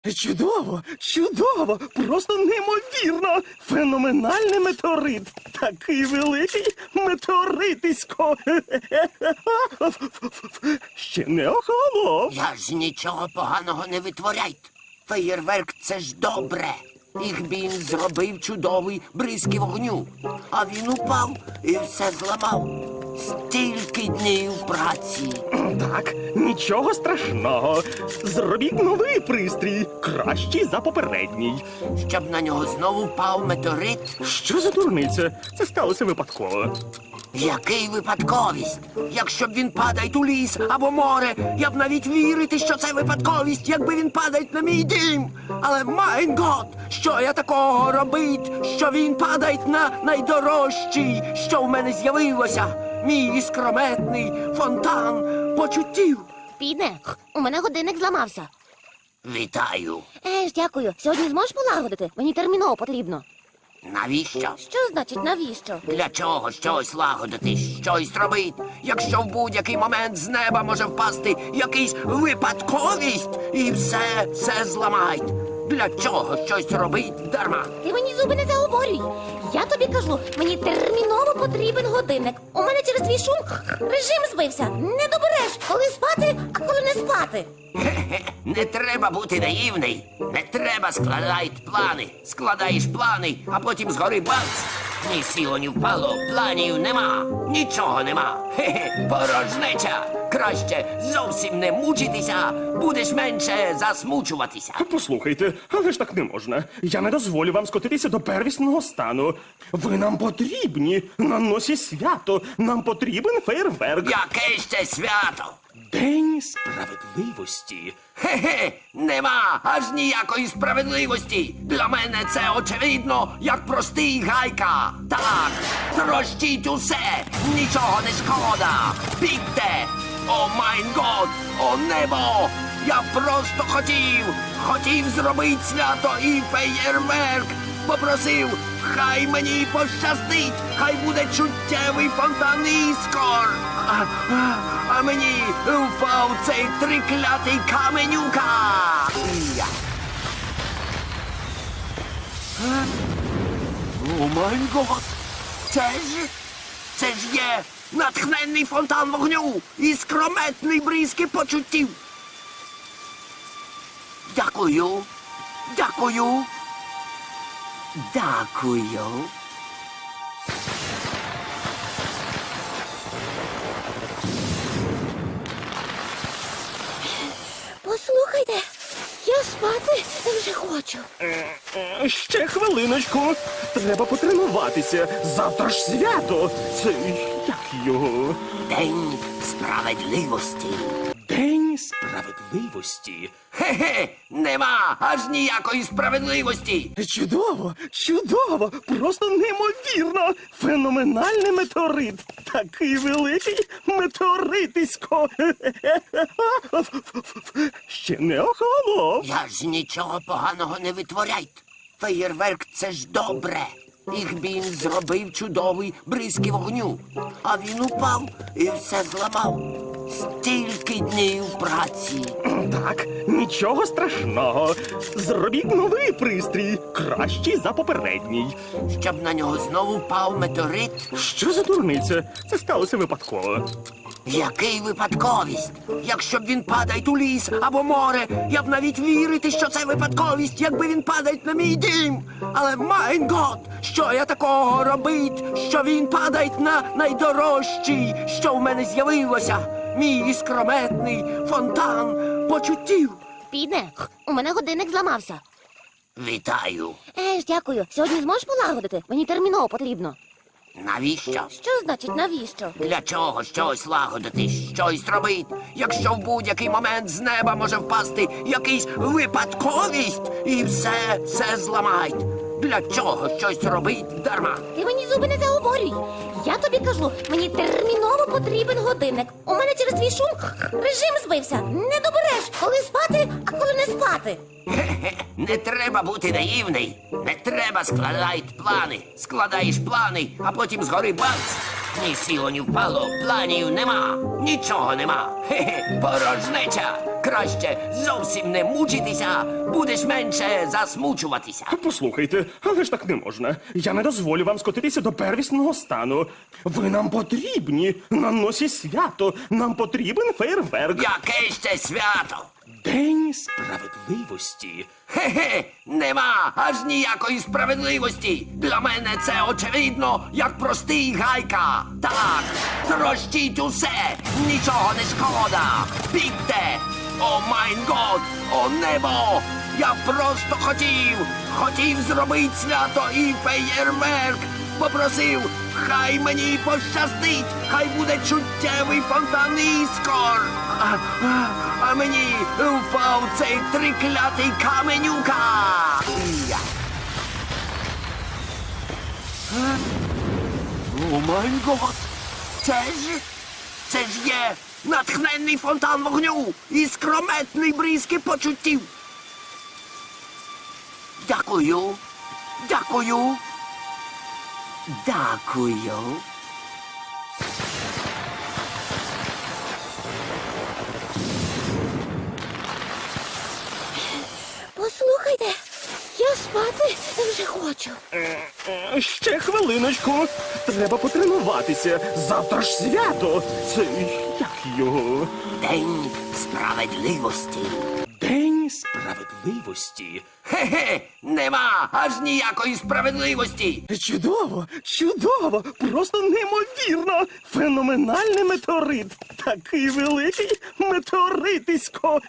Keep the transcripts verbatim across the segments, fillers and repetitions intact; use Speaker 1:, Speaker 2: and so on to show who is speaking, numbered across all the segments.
Speaker 1: Чудово, чудово, просто неймовірно. Феноменальний метеорит. Такий великий метеоритисько. Ще не охолонув.
Speaker 2: Я ж нічого поганого не витворяйте. Феєрверк – це ж добре. Ігбін зробив чудовий бризки вогню. А він упав і все зламав. Стільки днів праці.
Speaker 1: Так, нічого страшного. Зробіть новий пристрій, кращий за попередній.
Speaker 2: Щоб на нього знову впав метеорит.
Speaker 1: Що за дурниця? Це сталося випадково.
Speaker 2: Який випадковість? Якщо б він падає у ліс або море, я б навіть вірити, що це випадковість, якби він падає на мій дім. Але, майн гот, що я такого робить, що він падає на найдорожчий, що в мене з'явилося? Мій іскрометний фонтан почуттів.
Speaker 3: Піде, у мене годинник зламався.
Speaker 2: Вітаю.
Speaker 3: Еж, дякую. Сьогодні зможеш полагодити? Мені терміново потрібно.
Speaker 2: Навіщо?
Speaker 3: Що значить навіщо?
Speaker 2: Для чого щось лагодити, щось робити, якщо в будь-який момент з неба може впасти якийсь випадковість і все, все зламають? Для чого щось робить дарма?
Speaker 3: Ти мені зуби не заговорюй. Я тобі кажу, мені терміново потрібен годинник. У мене через твій шум режим збився. Не добереш, коли спати, а коли не спати.
Speaker 2: Хе-хе, не треба бути наївний. Не треба складати плани. Складаєш плани, а потім згори бац. Ні сіло, ні впало, планів нема. Нічого нема. Хе-хе, порожнеча. Краще зовсім не мучитися, будеш менше засмучуватися.
Speaker 1: Послухайте, але ж так не можна. Я не дозволю вам скотитися до первісного стану. Ви нам потрібні. На носі свято. Нам потрібен фейерверк.
Speaker 2: Яке ще свято?
Speaker 1: День справедливості.
Speaker 2: Хе-хе, нема аж ніякої справедливості. Для мене це очевидно, як простий гайка. Так, трощіть усе, нічого не шкода. Бігте! О майн год, о небо! Я просто хотів, хотів зробити свято і феєрверк. Попросив, хай мені пощастить, хай буде чуттєвий фонтан іскор. А, а, а мені впав цей триклятий каменюка. Я. Е? О май гот! Це ж, це ж є натхненний фонтан вогню і скрометний бризки почуттів. Дякую, дякую, дякую.
Speaker 3: Послухайте, я спати вже хочу.
Speaker 1: Е, Ще хвилиночку. Треба потренуватися. Завтра ж свято. Це як його?
Speaker 2: День справедливості.
Speaker 1: День справедливості.
Speaker 2: Хе-хе, нема аж ніякої справедливості.
Speaker 1: Чудово, чудово, просто неймовірно. Феноменальний метеорит. Такий великий метеоритисько. Ще не охолонув.
Speaker 2: Я ж нічого поганого не витворяйте. Феєрверк – це ж добре. Ігбін зробив чудовий бризки вогню. А він упав і все зламав. Стільки днів праці.
Speaker 1: Так, нічого страшного. Зробіть новий пристрій, кращий за попередній.
Speaker 2: Щоб на нього знову впав метеорит.
Speaker 1: Що за дурниця? Це сталося випадково.
Speaker 2: Який випадковість? Якщо б він падає у ліс або море, я б навіть вірити, що це випадковість, якби він падає на мій дім. Але, майн гот, що я такого робить, що він падає на найдорожчий, що в мене з'явилося? Мій іскрометний фонтан почуттів.
Speaker 3: Піде, у мене годинник зламався.
Speaker 2: Вітаю.
Speaker 3: Еж, дякую. Сьогодні зможеш полагодити? Мені терміново потрібно.
Speaker 2: Навіщо?
Speaker 3: Що значить навіщо?
Speaker 2: Для чого щось лагодити, щось робити, якщо в будь-який момент з неба може впасти якийсь випадковість і все, все зламають? Для чого щось робить дарма?
Speaker 3: Ти мені зуби не заговорюй. Я тобі кажу, мені терміново потрібен годинник. У мене через твій шум режим збився. Не добереш, коли спати, а коли не спати.
Speaker 2: Хе-хе, не треба бути наївний. Не треба складати плани. Складаєш плани, а потім згори бац. Ні сіло, ні впало, планів нема. Нічого нема. Хе-хе, порожнеча. Краще зовсім не мучитися, будеш менше засмучуватися.
Speaker 1: Послухайте, але ж так не можна. Я не дозволю вам скотитися до первісного стану. Ви нам потрібні на носі свято. Нам потрібен фейерверк.
Speaker 2: Яке ще свято?
Speaker 1: День справедливості.
Speaker 2: Хе-хе, нема аж ніякої справедливості. Для мене це очевидно, як простий гайка. Так, трощіть усе, нічого не шкода. Бігте! О майн год, о небо! Я просто хотів, хотів зробити свято і феєрверк. Попросив, хай мені пощастить, хай буде чуттєвий фонтан іскор. А, а, а мені впав цей триклятий каменюка. Я. Е? О май гот! Це ж, це ж є натхненний фонтан вогню і скрометний бризки почуттів. Дякую, дякую. Дякую.
Speaker 3: Послухайте, я спати вже хочу.
Speaker 1: Е, Ще хвилиночку. Треба потренуватися. Завтра ж свято. Це як його?
Speaker 2: День справедливості.
Speaker 1: День справедливості.
Speaker 2: Хе-хе, нема аж ніякої справедливості.
Speaker 1: Чудово, чудово, просто неймовірно. Феноменальний метеорит. Такий великий метеоритисько.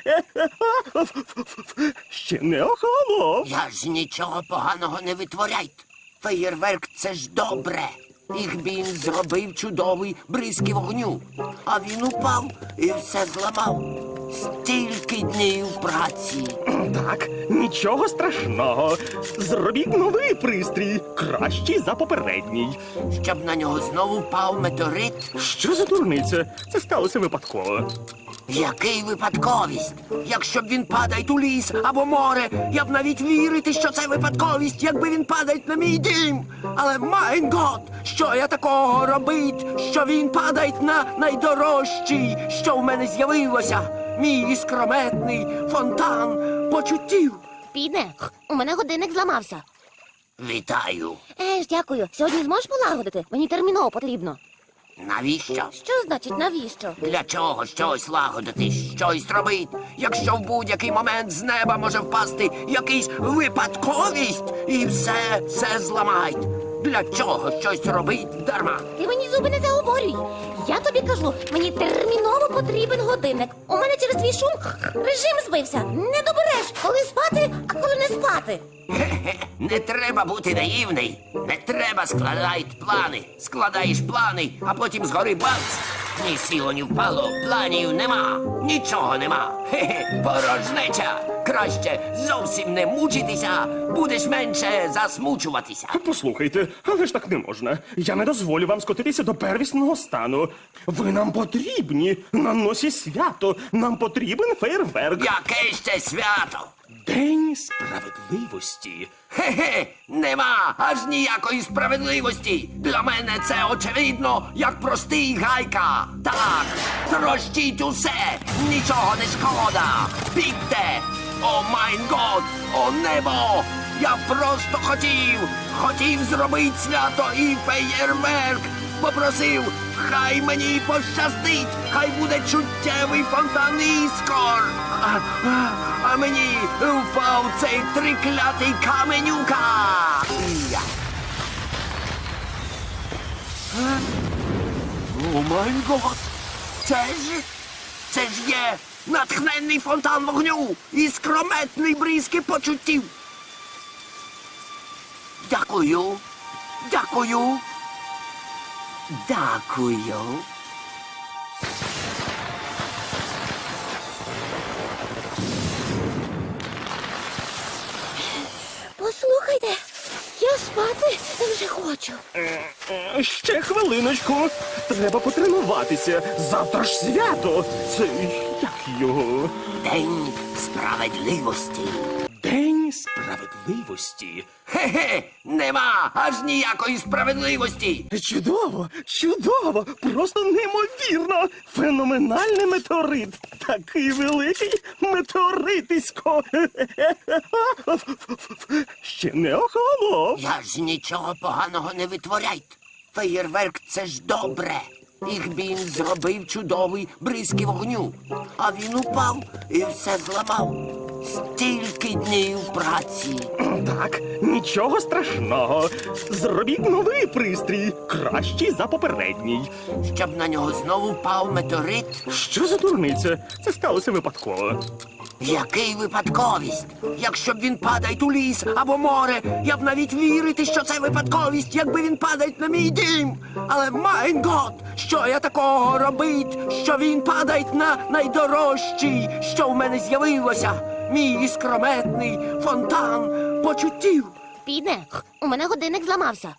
Speaker 1: Ще не охолонув.
Speaker 2: Я ж нічого поганого не витворяйте. Феєрверк — це ж добре. Їх він зробив чудовий бризки вогню. А він упав і все зламав. Стільки днів праці.
Speaker 1: Так, нічого страшного. Зробіть новий пристрій, кращий за попередній.
Speaker 2: Щоб на нього знову впав метеорит.
Speaker 1: Що за дурниця? Це сталося випадково.
Speaker 2: Який випадковість? Якщо б він падає у ліс або море, я б навіть вірити, що це випадковість, якби він падає на мій дім. Але майн гот, що я такого робить, що він падає на найдорожчий, що в мене з'явилося. Мій іскрометний фонтан почуттів.
Speaker 3: Підне, у мене годинник зламався.
Speaker 2: Вітаю.
Speaker 3: Е ж, дякую. Сьогодні зможеш полагодити? Мені терміново потрібно.
Speaker 2: Навіщо?
Speaker 3: Що значить навіщо?
Speaker 2: Для чого щось лагодити, щось робить, якщо в будь-який момент з неба може впасти якийсь випадковість і все, все зламають. Для чого щось робить дарма?
Speaker 3: Ти мені зуби не заговорюй. Я тобі кажу, мені терміново потрібен годинник. У мене через твій шум режим збився. Не добереш, коли спати, а коли не спати.
Speaker 2: Хе-хе, не треба бути наївний. Не треба складати плани. Складаєш плани, а потім згори бац. Ні сіло, ні впало, планів нема. Нічого нема. Хе-хе, порожнеча. Краще зовсім не мучитися, будеш менше засмучуватися.
Speaker 1: Послухайте, але ж так не можна. Я не дозволю вам скотитися до первісного стану. Ви нам потрібні на носі свято. Нам потрібен фейерверк.
Speaker 2: Яке ще свято?
Speaker 1: День справедливості.
Speaker 2: Хе-хе, нема аж ніякої справедливості. Для мене це очевидно, як простий гайка. Так, трощіть усе, нічого не шкода. Бігте! О майн год, о небо! Я просто хотів, хотів зробити свято і феєрверк. Попросив, хай мені пощастить, хай буде чуттєвий фонтан іскор. А, а, а мені впав цей триклятий каменюка. Я. Е? О май гот! Це ж, це ж є натхненний фонтан вогню і скрометний бризки почуттів. Дякую, дякую. Дякую.
Speaker 3: Послухайте, я спати вже хочу.
Speaker 1: Е, е, Ще хвилиночку. Треба потренуватися. Завтра ж свято. Це як його?
Speaker 2: День справедливості.
Speaker 1: День День справедливості.
Speaker 2: Хе-хе, нема аж ніякої справедливості.
Speaker 1: Чудово, чудово, просто неймовірно. Феноменальний метеорит. Такий великий метеоритисько. Ще не охолонув.
Speaker 2: Я ж нічого поганого не витворяйте. Феєрверк — це ж добре. Їх він зробив чудовий бризки вогню. А він упав і все зламав. Стільки днів праці.
Speaker 1: Так, нічого страшного. Зробіть новий пристрій, кращий за попередній.
Speaker 2: Щоб на нього знову впав метеорит.
Speaker 1: Що за дурниця? Це сталося випадково.
Speaker 2: Який випадковість? Якщо б він падає у ліс або море, я б навіть вірити, що це випадковість, якби він падає на мій дім. Але, майн гот, що я такого робить, що він падає на найдорожчий, що в мене з'явилося? Мій іскрометний фонтан почуттів.
Speaker 3: Піде, у мене годинник зламався.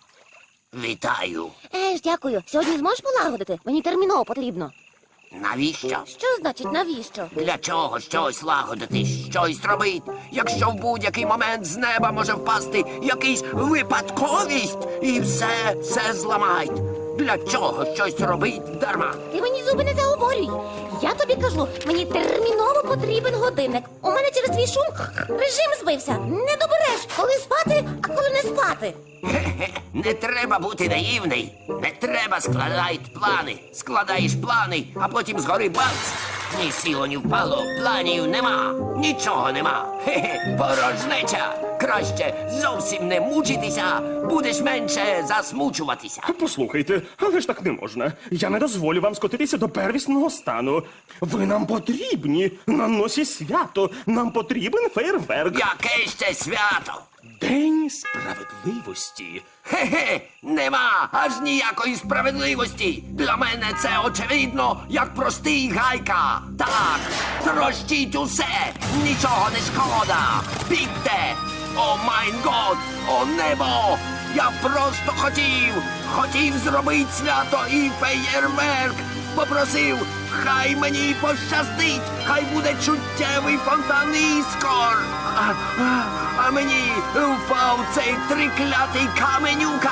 Speaker 2: Вітаю.
Speaker 3: Е ж, дякую. Сьогодні зможеш полагодити? Мені терміново потрібно.
Speaker 2: Навіщо?
Speaker 3: Що значить навіщо?
Speaker 2: Для чого щось лагодити, щось робити, якщо в будь-який момент з неба може впасти якийсь випадковість і все, все зламають? Для чого щось робить дарма?
Speaker 3: Ти мені зуби не заговорюй. Я тобі кажу, мені терміново потрібен годинник. У мене через твій шум режим збився. Не добереш, коли спати, а коли не спати.
Speaker 2: Хе-хе, не треба бути наївний. Не треба складати плани. Складаєш плани, а потім згори бац. Ні сіло, ні впало, планів нема, нічого нема. Хе-хе, порожнеча. Краще зовсім не мучитися, будеш менше засмучуватися.
Speaker 1: Послухайте, але ж так не можна. Я не дозволю вам скотитися до первісного стану. Ви нам потрібні на носі свято. Нам потрібен фейерверк.
Speaker 2: Яке ще свято?
Speaker 1: День справедливості.
Speaker 2: Хе-хе, нема аж ніякої справедливості. Для мене це очевидно, як простий гайка. Так, трощіть усе, нічого не шкода. Бігте! О майн год, о небо! Я просто хотів, хотів зробити свято і феєрверк. Попросив, хай мені пощастить, хай буде чуттєвий фонтан іскор. А, а, а мені впав цей триклятий каменюка.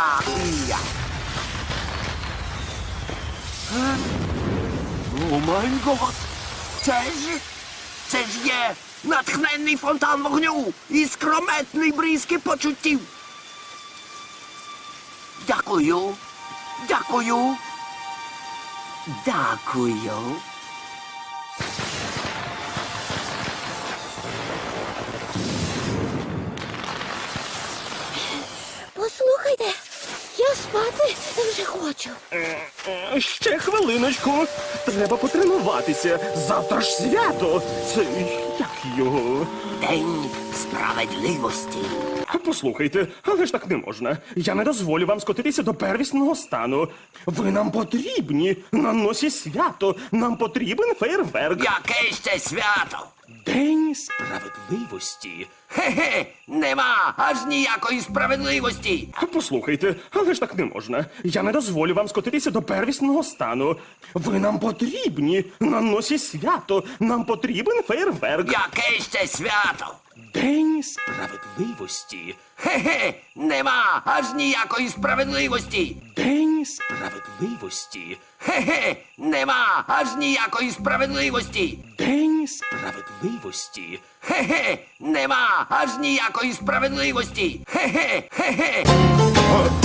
Speaker 2: Я. Е? О май гот! Це ж, це ж є натхненний фонтан вогню і скрометний бризки почуттів. Дякую, дякую, дякую.
Speaker 3: Послухайте, я спати вже хочу.
Speaker 1: Е, Ще хвилиночку. Треба потренуватися. Завтра ж свято. Це як його?
Speaker 2: День справедливості.
Speaker 1: Послухайте, але ж так не можна. Я не дозволю вам скотитися до первісного стану. Ви нам потрібні на носі свято. Нам потрібен фейерверк.
Speaker 2: Яке ще свято?
Speaker 1: День справедливості.
Speaker 2: Хе-хе, нема аж ніякої справедливості.
Speaker 1: Послухайте, але ж так не можна. Я не дозволю вам скотитися до первісного стану. Ви нам потрібні на носі свято. Нам потрібен фейерверк.
Speaker 2: Яке ще свято?
Speaker 1: День справедливості.
Speaker 2: Хе-хе, нема аж ніякої справедливості.
Speaker 1: День справедливості.
Speaker 2: Хе-хе, нема аж ніякої справедливості.
Speaker 1: День справедливості.
Speaker 2: Хе-хе, нема аж ніякої справедливості. Хе-хе, хе-хе.